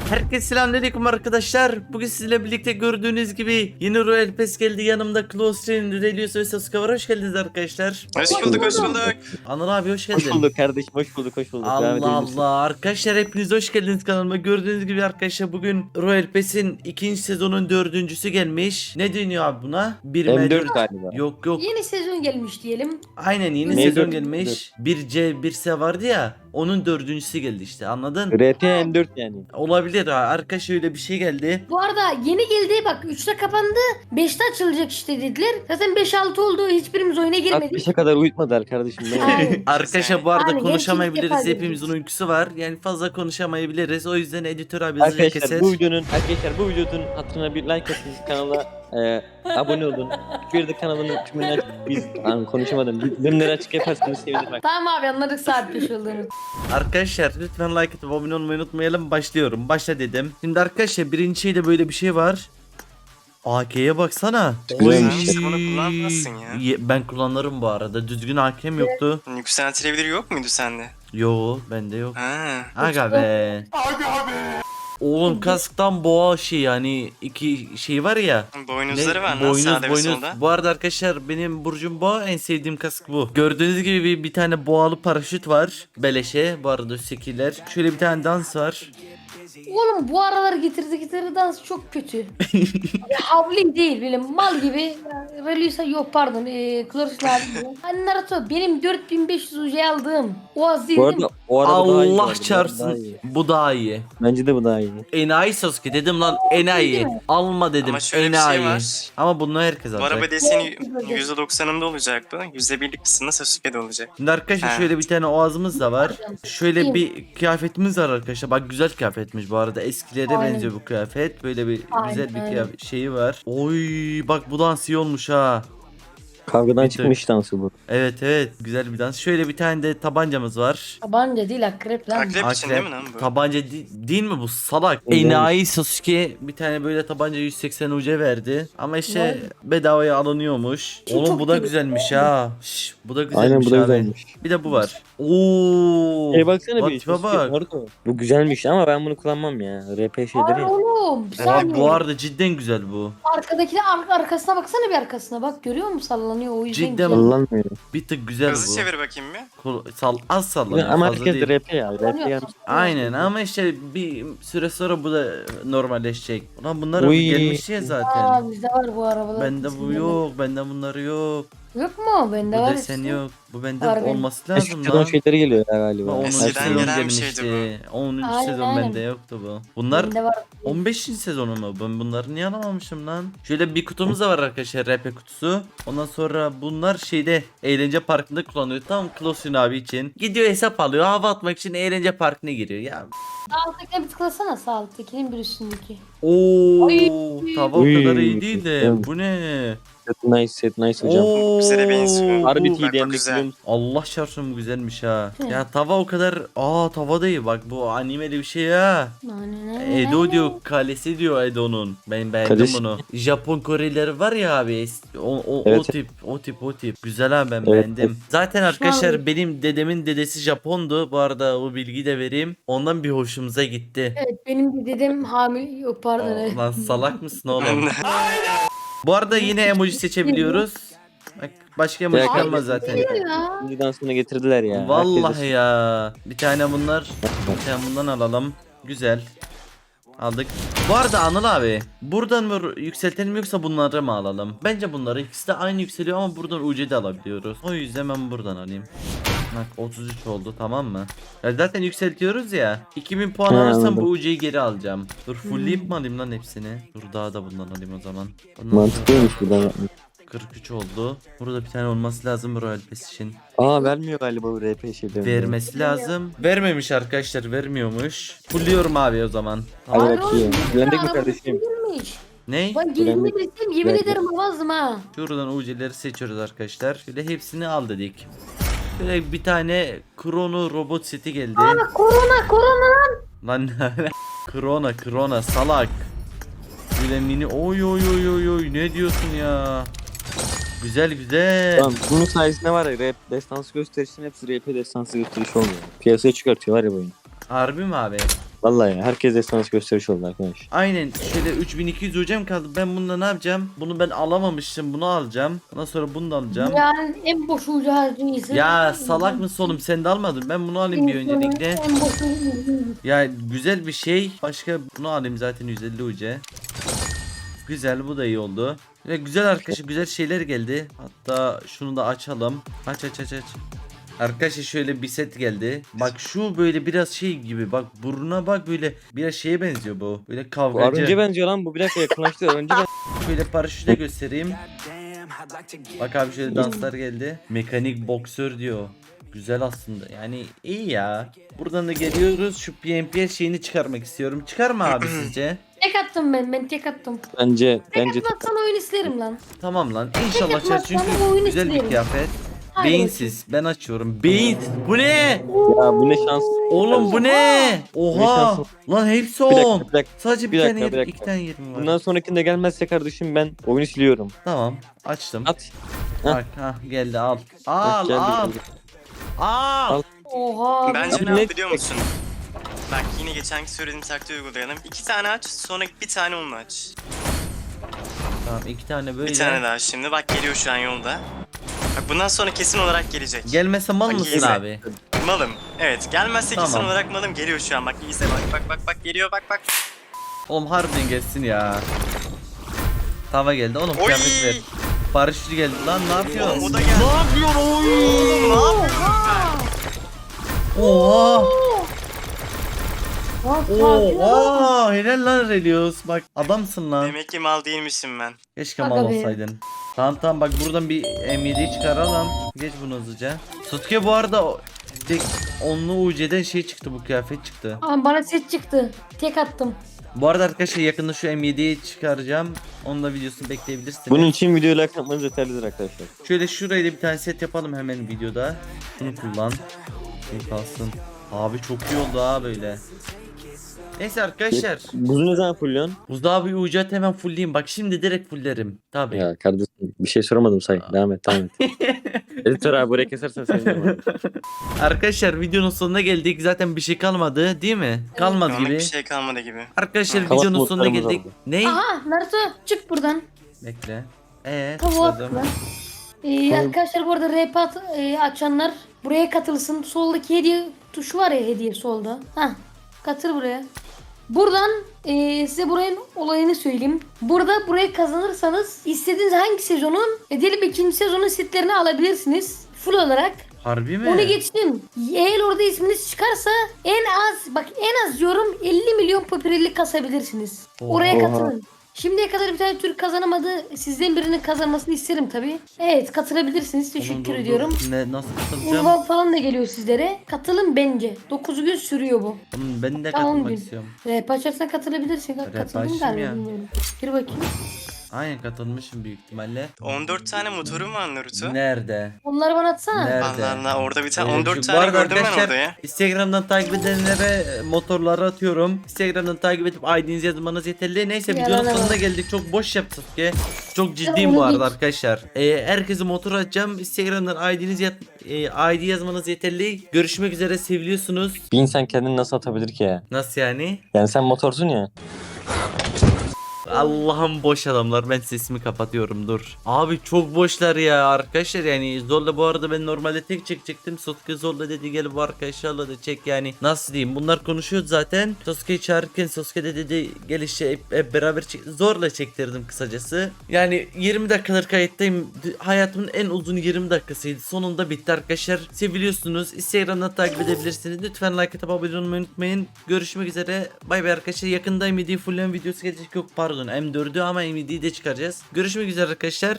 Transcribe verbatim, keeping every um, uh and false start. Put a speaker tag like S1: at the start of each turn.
S1: Herkese selamünaleyküm arkadaşlar. Bugün sizinle birlikte gördüğünüz gibi yeni Royal Pass geldi. Yanımda Close'nin, Relius ve Sasuke var. Hoş geldiniz arkadaşlar.
S2: Hoş bulduk, hoş bulduk.
S1: Anıl abi hoş geldin.
S3: Hoş bulduk kardeşim, hoş bulduk, hoş bulduk. Devam
S1: Allah
S3: edebilirsin.
S1: Allah. Arkadaşlar hepiniz hoş geldiniz kanalıma. Gördüğünüz gibi arkadaşlar bugün Royal Pass'in ikinci sezonun dördüncüsü gelmiş. Ne deniyor abi buna? bir
S3: M dört galiba.
S1: Yok yok.
S4: Yeni sezon gelmiş diyelim.
S1: Aynen yeni
S3: M
S1: sezon
S3: dört,
S1: gelmiş. bir C bir S vardı ya. Onun dördüncüsü geldi işte, anladın?
S3: R P M dört yani.
S1: Olabilir ha. Arkadaşlar öyle bir şey geldi.
S4: Bu arada yeni geldi, bak üçte kapandı, beşte açılacak işte dediler. Zaten beş altı oldu, hiçbirimiz oyuna girmedik.
S3: altmışa kadar uyutmadılar kardeşim. Ne var?
S4: Aynen.
S1: Arkadaşlar bu arada
S4: Aynen,
S1: konuşamayabiliriz.
S4: gerçekten
S1: Hepimizin uykusu var. Yani fazla konuşamayabiliriz. O yüzden editör abi hızlıca
S3: Arkadaşlar
S1: keser.
S3: bu videonun arkadaşlar bu videonun hatırına bir like atın, kanala e, abone olun. Bir de kanalın tümünü açıp biz an, konuşamadım. Bildirimleri açık yaparsanız sevinirim. Bak.
S4: Tamam abi, anladık saat beş olduğunu.
S1: Arkadaşlar lütfen like atıp abone olmayı unutmayalım. Başlıyorum. Başla dedim. Şimdi arkadaşlar birinci şeyde böyle bir şey var. A K'ye baksana.
S3: Güzelmiş.
S1: Oy.
S2: Sen bunu kullanmazsın ya.
S1: Ye- Ben kullanırım bu arada. Düzgün hakem yoktu.
S2: Yükseltilebilir yok muydu sende?
S1: Yo bende yok.
S2: Ha.
S1: Aga be. Oğlum kasktan boğa şey, yani iki şey var ya.
S2: Boynuzları
S1: Ne?
S2: var lan
S1: Boynuz,
S2: sağda ve
S1: boynuz.
S2: solda.
S1: Bu arada arkadaşlar benim burcum boğa, en sevdiğim kask bu. Gördüğünüz gibi bir, bir tane boğalı paraşüt var. Beleşe bu arada üsttekiler. Şöyle bir tane dans var.
S4: Oğlum bu aralar getirdi getirdi dans çok kötü. Ya, havli değil, böyle mal gibi. Relusa yok pardon. Eee Kloris'la. Hani Naruto benim dört bin beş yüz ucu aldığım. O az değil
S3: Bu
S4: değil mi?
S3: arada o araba daha iyi. bu
S1: Allah
S3: arada, bu araba daha
S1: çarpsın.
S3: iyi.
S1: Bu daha iyi.
S3: Bence de bu daha iyi.
S1: Enayi Sasuke dedim lan, enayi.
S4: değil mi?
S1: Alma dedim,
S2: Ama şöyle bir şey
S1: enayi.
S2: var.
S1: Ama bunu herkes
S2: Bu
S1: alacak.
S2: araba deseni yüzde doksanında olacak bu. yüzde birlik kısmında Sasuke'de olacak.
S1: Şimdi arkadaşlar
S2: Ha.
S1: şöyle bir tane oğazımız da var. Şöyle bir kıyafetimiz var arkadaşlar. Bak güzel kıyafetmiş bu arada. Eskilere
S4: Aynen.
S1: benziyor bu kıyafet. Böyle bir
S4: Aynen,
S1: güzel bir
S4: aynen.
S1: kıyafet şeyi var. Oy bak bu dans iyi olmuş ha.
S3: Kavgadan
S1: Bir
S3: çıkmış dansı bu.
S1: Evet evet, güzel bir dans. Şöyle bir tane de tabancamız var.
S4: Tabanca değil, akrep lan.
S2: Akrep için değil mi lan bu?
S1: Tabanca di- değil mi bu salak?
S3: Evet.
S1: Enayi Sasuke bir tane böyle tabanca yüz seksen uca verdi. Ama işte
S4: Vay.
S1: bedavaya alınıyormuş.
S4: Çok
S1: Oğlum bu da
S4: iyi.
S1: güzelmiş ha. Şş, bu da güzelmiş
S3: Aynen bu da
S1: abi.
S3: güzelmiş.
S1: Bir de bu var. Oo.
S3: E baksana
S1: Bak,
S3: bir.
S1: tipe bak.
S3: Naruto. Bu güzelmiş ama ben bunu kullanmam ya. R P şeyleri.
S4: Var
S3: ya.
S4: oğlum. Bir
S1: Abi
S4: saniye.
S1: bu arada cidden güzel bu.
S4: Arkadaki ar- arkasına baksana, bir arkasına bak, görüyor musun, sallanıyor, o yüzden
S1: Cidden
S4: güzel.
S3: Kullanmıyorum.
S1: Bir tık güzel
S2: Hızlı
S1: bu.
S2: çevir bakayım bir.
S1: Kol- Sal az sallanıyor,
S3: Ama
S1: fazla
S3: herkes
S1: değil.
S3: de R P ya. R P yani.
S1: Aynen ama işte bir süre sonra bu da normalleşecek. Ulan bunlar
S3: Uy.
S1: gelmiş ya zaten.
S4: Aa, bizde var bu arabalar.
S1: Bende bu yok, bende bunları yok.
S4: Yok mu? Bende
S1: Bu
S4: var.
S1: desen
S4: işte.
S1: yok. Bu bende
S4: Var benim.
S1: olması
S3: Eski
S1: lazım
S3: sezon
S1: lan.
S3: şeyleri geliyor ya galiba.
S1: onuncu
S2: Eskiden
S1: sezon
S2: gelen bir
S1: gelmişti.
S2: şeydi
S1: onuncu
S4: Aynen,
S1: sezon
S4: aynen.
S1: bende yoktu bu. Bunlar
S4: Bende var.
S1: on beşinci sezonu mu? Ben bunları niye alamamışım lan? Şöyle bir kutumuz da var arkadaşlar, R P kutusu. Ondan sonra bunlar şeyde eğlence parkında kullanılıyor. Tam Klosun abi için. Gidiyor hesap alıyor, hava atmak için eğlence parkına giriyor. Ya
S4: Sağ alttakine bir tıklasana, sağ alttakinin bir üstündeki.
S1: ooo
S4: Ay.
S1: tava o
S3: Uy.
S1: kadar iyi değil de
S3: Evet.
S1: bu ne?
S3: Set nice, set nice hocam.
S1: Oo,
S2: Güzele benziyor.
S3: Harbi
S1: bu-
S2: Bak, bak,
S3: T D M'de
S2: güzel.
S3: biliyor musun?
S1: Allah çarpsın bu güzelmiş ha.
S4: Hı.
S1: Ya tava o kadar, aa tava değil bak, bu animeli bir şey ha. Edo diyor, kalesi diyor Edo'nun. Ben beğendim
S3: Kalesi.
S1: bunu. Japon Korelileri var ya abi. es- O, o, o
S3: Evet.
S1: tip, o tip, o tip. Güzel abi, ben
S3: Evet,
S1: beğendim. Zaten arkadaşlar
S4: Vallahi.
S1: benim dedemin dedesi Japondu. Bu arada o bilgiyi de vereyim. Ondan bir hoşumuza gitti.
S4: Evet, benim bir dedem hamile, yok pardon.
S1: Aa,
S4: evet.
S1: lan salak mısın
S2: Ben
S1: oğlum?
S2: de.
S1: Bu arada yine emoji seçebiliyoruz. Bak başka emoji
S3: Direkt
S1: kalmaz zaten.
S4: Ya.
S3: Şimdi dansını getirdiler ya.
S1: Vallahi
S3: Herkes-
S1: ya. Bir tane bunlar. Bir tane bundan alalım. Güzel. Aldık. Bu arada Anıl abi, buradan mı yükseltelim yoksa bunları mı alalım? Bence bunları, ikisi de aynı yükseliyor ama buradan U C de alabiliyoruz. O yüzden ben buradan alayım. Bak otuz üç oldu, tamam mı? Ya zaten yükseltiyoruz ya. iki bin puan
S3: He,
S1: alırsam
S3: anladım.
S1: bu U C'yi geri alacağım. Dur fullleyip mi alayım lan hepsini? Dur daha da bundan alayım o zaman. Ondan sonra
S3: Mantıklıymış buradan yapmak.
S1: kırk üç oldu. Burada bir tane olması lazım Royal Pass için.
S3: Aa vermiyor galiba bu R P şeylerini.
S1: Vermesi lazım. Vermemiş arkadaşlar, vermiyormuş. Fulluyorum abi o zaman.
S3: Hadi
S1: Tamam.
S4: Ay
S3: bakayım.
S4: oğlum,
S3: Güvenlik mi
S4: arabası
S3: kardeşim?
S4: girmiş.
S1: Ne?
S4: Ben gelini
S3: Güvenlik.
S4: bilsem yemin
S3: Güvenlik.
S4: ederim almazdım ha.
S1: Şuradan U C'leri seçiyoruz arkadaşlar. Şöyle hepsini al dedik. Böyle bir tane Krono robot seti geldi.
S4: Aa, korona korona.
S1: Lan Krona Krona salak. Böyle mini oy oy oy oy oy ne diyorsun ya? Güzel güzel.
S3: Tamam bunun sayesinde var ya rap destansı gösterişinin hepsi R P destansı gösteriş olmuyor. Piyasaya çıkartıyorlar ya bu oyunu.
S1: Harbi mi abi?
S3: Vallahi ya, herkes destansı gösteriş oldu arkadaş.
S1: Aynen şöyle üç bin iki yüz hocam kaldı. Ben bununla ne yapacağım? Bunu ben alamamıştım. Bunu alacağım. Ondan sonra bunu da alacağım.
S4: Yani en boş ucu harcıysa.
S1: Ya salak mısın oğlum? Sen de almadın. Ben bunu alayım bir öncelikle.
S4: En boş ucu.
S1: Ya güzel bir şey. Başka bunu alayım zaten yüz elli uca. Güzel, bu da iyi oldu. Ya güzel arkadaşlar, güzel şeyler geldi. Hatta şunu da açalım. Aç aç aç aç. Arkadaşlar şöyle bir set geldi. Bak şu böyle biraz şey gibi. Bak burnuna bak, böyle biraz şeye benziyor bu. Böyle
S3: Bu
S1: kavgacı.
S3: Arunca benziyor lan, bu bir dakika yakınlaştı. Arunca ben...
S1: Şöyle paraşütü de göstereyim. Bak abi şöyle danslar geldi. Mekanik boksör diyor. Güzel aslında. Yani iyi ya. Buradan da geliyoruz. Şu P M P şeyini çıkarmak istiyorum. Çıkar mı abi sizce?
S4: Tek attım ben. Ben tek attım.
S3: Bence
S4: Tek
S3: bence
S4: atmazsan oyun isterim lan.
S1: Tamam lan. İnşallah
S4: Tek
S1: açar çünkü
S4: atmazsan oyun
S1: güzel bir
S4: isterim.
S1: kıyafet.
S4: Hadi
S1: Beyinsiz. Ben açıyorum. Beyinsiz. Bu ne?
S3: ya bu ne şans.
S1: Oğlum bu ne? Oha.
S3: şansı.
S1: Lan hepsi
S3: Bir dakika,
S1: on.
S3: bir dakika.
S1: Sadece bir,
S3: Bir
S1: tane
S3: dakika,
S1: yerim,
S3: bir dakika.
S1: iki tane yerim var.
S3: Bundan sonrakinde gelmezse kardeşim ben oyunu siliyorum.
S1: Tamam. Açtım.
S3: At.
S1: Bak ha geldi al. Al
S3: geldi,
S1: al.
S3: geldi.
S1: Al.
S3: Al.
S4: Oha.
S2: Bence
S3: Abi
S2: ne
S3: ne-
S2: yap biliyor musun? Bak yine geçenki söylediğim taktiği uygulayalım. İki tane aç, sonra bir tane onunla aç.
S1: Tamam iki tane böyle.
S2: Bir tane daha şimdi. Bak geliyor şu an yolda. Bak bundan sonra kesin olarak gelecek.
S1: Gelmese mal
S2: Bak,
S1: mısın
S2: izle.
S1: abi?
S2: Malım. Evet, gelmezse kesin
S1: Tamam.
S2: olarak malım geliyor şu an. Bak izle bak bak bak bak geliyor bak bak.
S1: Oğlum harbiden gelsin ya. Tava geldi oğlum,
S2: Oy!
S1: kıyafet ver. Paraşütü geldi lan, ne yapıyorsun?
S2: Oğlum o da geldi.
S1: Ne yapıyorsun oy?
S2: Oğlum ne yapıyorsun sen?
S1: Oha.
S4: Lan sakin ol.
S1: Oha. Helal lan Relios. Bak adamsın lan.
S2: Demek ki mal değilmişim ben.
S1: Keşke
S4: Aga
S1: mal
S4: be.
S1: olsaydın. Tamam tamam bak buradan bir M yediyi çıkaralım. Geç bunu hızlıca. Sasuke bu arada o- tek onlu U C'den şey çıktı, bu kıyafet çıktı.
S4: Aa, bana set çıktı. Tek attım.
S1: Bu arada arkadaşlar yakında şu M yediyi çıkaracağım. Onun da videosunu bekleyebilirsiniz.
S3: Bunun için videoyu like atmanız yeterlidir arkadaşlar.
S1: Şöyle şuraya da bir tane set yapalım hemen videoda. Şunu kullan. Şey kalsın. Abi çok iyi oldu ha böyle. Neyse arkadaşlar.
S3: Buzu ne zaman fulluyorsun?
S1: Buzda abi ucat hemen fullleyeyim. Bak şimdi direkt fulllerim. Tabii.
S3: Ya kardeşim bir şey soramadım say. Devam et devam et. Editör abi buraya kesersen sevinirim.
S1: Arkadaşlar videonun sonuna geldik. Zaten bir şey kalmadı değil mi? Kalmadı
S2: Anlık
S1: gibi.
S2: bir şey kalmadı gibi.
S1: Arkadaşlar
S3: Kavat
S1: videonun sonuna
S3: modlarımız
S1: geldik.
S3: oldu.
S1: Ne?
S4: Aha Naruto çık buradan.
S1: Bekle. Eee
S4: Tavuğa
S1: tıkladım.
S4: tıkla. Ee, arkadaşlar bu arada rap at, e, açanlar buraya katılsın. Soldaki hediye tuşu var ya, hediye solda. Hah, katıl buraya. Buradan e, size buranın olayını söyleyeyim. Burada burayı kazanırsanız istediğiniz hangi sezonun e, diyelim ikinci sezonun setlerini alabilirsiniz. Full olarak.
S1: Harbi mi?
S4: Onu geçtim. Eğer orada isminiz çıkarsa en az bak en az diyorum elli milyon popülerlik kasabilirsiniz. Oraya
S3: Oha.
S4: katılın. Şimdiye kadar bir tane Türk kazanamadı. Sizden birinin kazanmasını isterim tabi. Evet katılabilirsiniz.
S1: Oğlum,
S4: Teşekkür
S1: dur, dur.
S4: ediyorum.
S1: Ne, nasıl katılacağım?
S4: Urban falan da geliyor sizlere. Katılın bence. dokuz gün sürüyor bu.
S1: Oğlum, ben de
S4: Tamam,
S1: katılmak
S4: gün.
S1: istiyorum.
S4: Rap açarsan katılabilirsin.
S1: Rap
S4: Katıldın
S1: açtım
S4: galiba
S1: ya.
S4: bilmiyorum. Gir bakayım.
S1: Aynen katılmışım büyük ihtimalle.
S2: on dört tane motorum var Naruto.
S1: Nerede?
S4: Onları bana atsana.
S1: Nerede?
S2: Allah Allah orada bir tane
S1: Ee,
S2: on
S1: şu-
S2: dört
S1: bu
S2: tane
S1: arada
S2: gördüm ben
S1: arkadaşlar,
S2: orada ya.
S1: Instagram'dan takip edenlere e, motorları atıyorum. Instagram'dan takip edip I D'nizi yazmanız yeterli. Neyse
S4: Yalan
S1: videonun
S4: ama.
S1: sonuna geldik. Çok boş yaptık ki. Çok ciddiyim
S4: onu
S1: bu arada
S4: geç.
S1: arkadaşlar. Ee, herkese motor atacağım. Instagram'dan I D'nizi yat, e, I D yazmanız yeterli. Görüşmek üzere, seviliyorsunuz.
S3: Bir insan kendini nasıl atabilir ki ya?
S1: Nasıl yani?
S3: Yani sen motorsun ya.
S1: Allah'ım boş adamlar, ben sesimi kapatıyorum dur. Abi çok boşlar ya arkadaşlar, yani zorla bu arada ben normalde tek çekecektim. Sasuke zorla dedi gel bu arkadaşlarla da çek, yani nasıl diyeyim, bunlar konuşuyordu zaten. Sasuke'yi çağırırken Sasuke de dedi gel işte hep, hep beraber çek. Zorla çektirdim kısacası. Yani yirmi dakikadır kayıttayım. D- Hayatımın en uzun yirmi dakikasıydı. Sonunda bitti arkadaşlar. Seviliyorsunuz. Instagram'dan takip edebilirsiniz. Lütfen like atıp abone olmayı unutmayın. Görüşmek üzere. Bay bay arkadaşlar. Yakında M D fullen videosu gelecek. Yok pardon M dördü ama M D'yi de çıkaracağız. Görüşmek üzere arkadaşlar.